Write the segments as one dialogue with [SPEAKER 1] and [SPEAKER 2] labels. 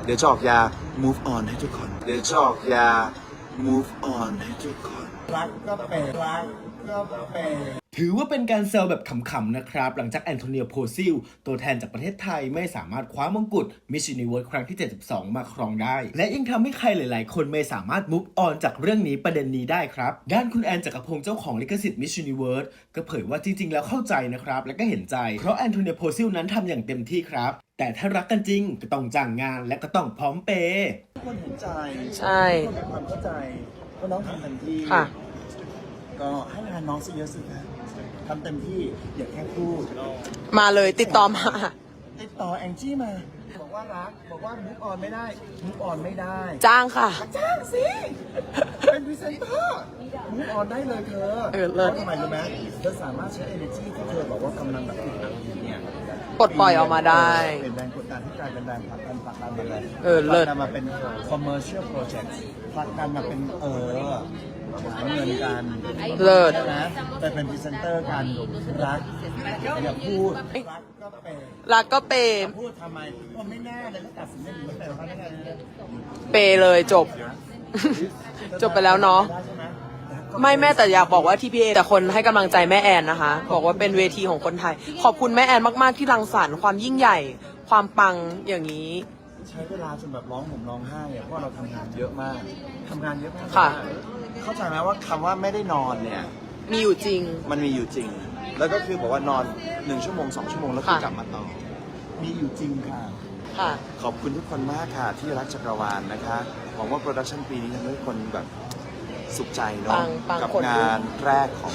[SPEAKER 1] เดี๋ยวจะออกยา move on ให้ทุกคน เดี๋ยวจะออกยา move on ให้ทุกคนรักก็เป็นรักก็เป็น
[SPEAKER 2] ถือว่าเป็นการแซวแบบขำๆนะครับหลังจากแอนโทเนียโพซิลตัวแทนจากประเทศไทยไม่สามารถคว้ามงกุฎ Miss Universe ครั้งที่ 72 มาครองได้และยังทำให้ใครหลายๆคนไม่สามารถ move on จากเรื่องนี้ประเด็นนี้ได้ครับด้านคุณแอนจักรพงศ์เจ้าของลิขสิทธิ์ Miss Universe ก็เผยว่าจริงๆแล้วเข้าใจนะครับและก็เห็นใจเพราะแอนโทเนียโพซิลนั้นทำอย่างเต็มที่ครับแต่ถ้ารักกันจริงก็ต้องจ้างงานและก็ต้องพร้อมเปย์
[SPEAKER 1] ทุกคนเห็นใจ
[SPEAKER 3] ใช่
[SPEAKER 1] ทุกคนมีความเข้าใจว่าน้องทำเต็มที่ก็ให้งานน้องซะเยอะสิครับทำเต็มที่อย่าแค่พูด
[SPEAKER 3] มาเลยติดต่อมา
[SPEAKER 1] ติดต่อแองจี้มาบอกว่ารักบอกว่ามุกออนไม่ได้มุกออนไม่ได้
[SPEAKER 3] จ้างค่ะ
[SPEAKER 1] จ้างสิเป็นพรีเซนเตอร์มุกออนได้เลยเธอ
[SPEAKER 3] เลิศ
[SPEAKER 1] ทำไมรู้ไหมเธอสามารถใช้ energy ที่เธอบอกว่ากำลังแบบติดอัดเนี่ย
[SPEAKER 3] ปลดปล่อยออกมาได้
[SPEAKER 1] เป็นแรงกดดันที่กลายเป็นแรงผลักดันมาเลย
[SPEAKER 3] เลิศ
[SPEAKER 1] มาเป็น commercial project ผลักดันมาเป็นหาเงินกัน
[SPEAKER 3] เลิศ
[SPEAKER 1] นะแต่เป็นพรีเซนเตอร์กันรักอย่าพูด
[SPEAKER 3] รักก็เปย์
[SPEAKER 1] พูดทำไมไม่แน่เลยก็ตัดสินไม่ดีแต่ว่าไม่แน่
[SPEAKER 3] เปย์เลยจบ จบไปแล้วเนาะไม่แม่แต่อยากบอกว่า TPA แต่คนให้กำลังใจแม่แอนนะคะบอกว่าเป็นเวทีของคนไทยขอบคุณแม่แอนมากๆที่รังสรรค์ความยิ่งใหญ่ความปังอย่างนี้
[SPEAKER 1] ใช้เวลาจนแบบร้องห่มร้องไห้เพราะเราทำงานเยอะมาก
[SPEAKER 3] ค่ะ
[SPEAKER 1] เข้าใจไหมว่าคำว่าไม่ได้นอนเนี่ย
[SPEAKER 3] มีอยู่จริง
[SPEAKER 1] มันมีอยู่จริงแล้วก็คือบอกว่านอน1 ชั่วโมง2 ชั่วโมงแล้วคือกลับมาต่อมีอยู่จริงค่ะขอบคุณทุกคนมากค่ะที่รักจักรวาลนะคะหวังว่าโปรดักชันปีนี้ทำให้ทุกคนแบบสุขใจเนาะกับงานแรกของ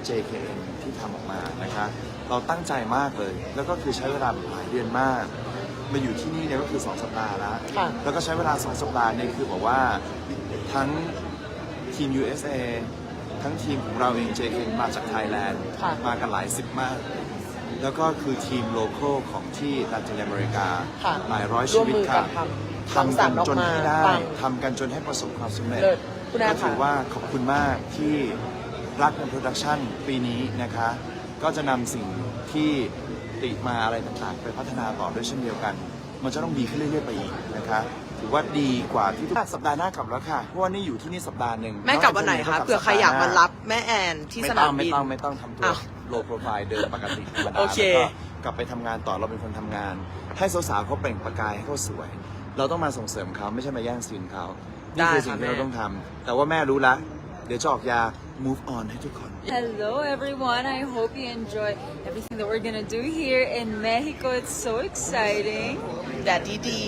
[SPEAKER 1] JKN ที่ทำออกมานะคะเราตั้งใจมากเลยแล้วก็คือใช้เวลาหลายเดือนมากมาอยู่ที่นี่เนี่ยก็คือ2 สัปดาห์แล้วก็ใช้เวลา2 สัปดาห์เนี่ยคือบอกว่าทั้งทีม USA ทั้งทีมของเราเอง JKN มาจากไทยแลนด์มากันหลายสิบมากแล้วก็คือทีมโลคอลของที่ลาตินอเมริกาหลายร้อยชีวิตค่ะทำกันจนให้ได้ทำกันจนให้ประสบความสำเร็จก็ถือว่าขอบคุณมากที่รักในโปรดักชันปีนี้นะคะก็จะนำสิ่งที่ติมาอะไรต่างๆไปพัฒนาต่อด้วยเช่นเดียวกันมันจะต้องดีขึ้นเรื่อยๆไปอีกนะคะถือว่าดีกว่าที่ทุกสัปดาห์หน้ากลับแล้วค่ะเพราะว่านี่อยู่ที่นี่สัปดาห์หนึ่ง
[SPEAKER 3] แม่กลับวันไหนคะเผื่อใครอยากมารับแม่แอนที่สนามบิน
[SPEAKER 1] ไม่ต้องทำตัวโลโปรไฟล์เดินปกติธรรมดาแล้วก็กลับไปทำงานต่อเราเป็นคนทำงานให้สาวๆเขาเปล่งประกายให้เขาสวยเราต้องมาส่งเสริมเขาไม่ใช่มาแย่งซีนเขานี่คือสิ่งที่เราต้องทำแต่ว่าแม่รู้ละเดี๋ยวจะออกยา move on ให้ทุกคน
[SPEAKER 4] Hello everyone, I hope you enjoy everything that we're gonna do here in Mexico. It's so exciting.
[SPEAKER 3] Daddy D.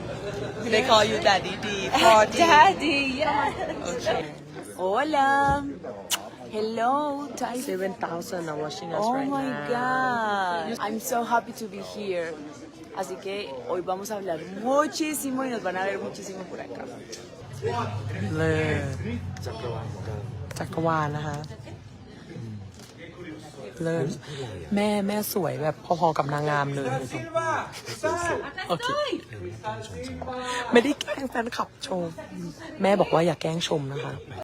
[SPEAKER 3] They call you Daddy D.
[SPEAKER 4] Daddy, yes.
[SPEAKER 3] Okay.
[SPEAKER 4] Hola. Hello,
[SPEAKER 3] 7,000 are watching us
[SPEAKER 4] oh
[SPEAKER 3] right now.
[SPEAKER 4] Oh my God. I'm so happy to be here. Así que hoy vamos a hablar muchísimo y nos van a ver muchísimo por acá.
[SPEAKER 3] เลยจักรวาลนะคะเลิศแม่สวยแบบพอๆกับนางงามเลยโอเคไม่ได้แกล้งแฟนคลับชมแม่บอกว่าอย่าแกล้งชมนะคะ